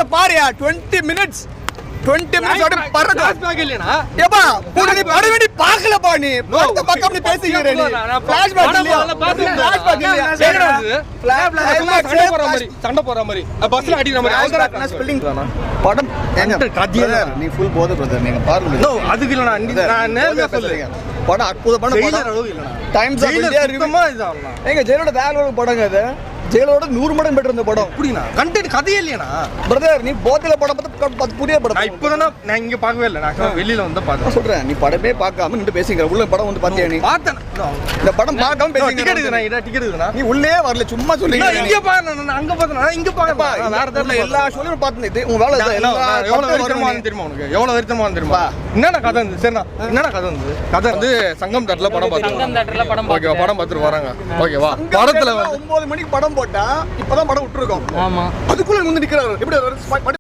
climax பாருயா 20 minutes அப்படியே பறக்கும் ஏப்பா கூட நீ படம் வேண்டி பார்க்கலப்பா நீ படத்தை பார்க்காம நீ பேசிக்கிற நீ ஃபிளாஷ்பேக் இல்லையா ஃபிளாஷ்பேக் இல்லையா சண்டை போற மாதிரி பஸ்ல அடிக்கிற மாதிரி அவ்வளவுதான் ஸ்பெல்லிங் படம் ஏங்க கதியா நீ ஃபுல் போத பிரதர் நீங்க பாருங்க நோ அதுக்கு இல்ல நான் நேர்மையா சொல்றேன் படம் அற்புதமான படம் டைம்ஸ் ஆஃப் இந்தியா ரிவ்யூமா இதான் ஏங்க ஜெயலலிதா வேற ஒரு படங்க அது ஜெயலோட 100 மடங்கு பெட்டர் இந்த படம் அப்படினா கண்டென்ட் கதையே இல்லையா பிரதர் நீ போத்தில படம் பார்த்து புதிய படம் நான் இப்போதானே நான் இங்க பார்க்கவே இல்ல நான் வெளியில வந்து பார்த்தேன் சொல்றேன் நீ படமே பார்க்காம நின்னு பேசிங்கற உள்ள படம் வந்து பாத்தியா நீ பார்த்தேன் இந்த படம் பார்க்காம பேசிங்க டிக்கெட் இருக்குனா டிக்கெட் இருக்குனா நீ உள்ளே வரல சும்மா சொல்றீங்க இங்க பாரு நான் அங்க பார்த்தேன் இங்க பாக்க வேற தெரியல எல்லா ஷோலயும் பார்த்தேன் இது உங்க வேலை எல்லா எவ்வளவு வருத்தமான தெரியுமா உனக்கு எவ்வளவு வருத்தமான தெரியுமா என்னடா கதை வந்து சரினா என்னடா கதை வந்து கதை வந்து சங்கம் தேட்டர்ல படம் பார்த்தோம் சங்கம் தேட்டர்ல படம் ஓகேவா படம் பார்த்துட்டு வராங்க ஓகேவா படத்துல 9 மணிக்கு படம் போட்டா இப்பதான் படம் விட்டுருக்கோம் ஆமா அதுக்குள்ள வந்து நிக்கிறாரு எப்படி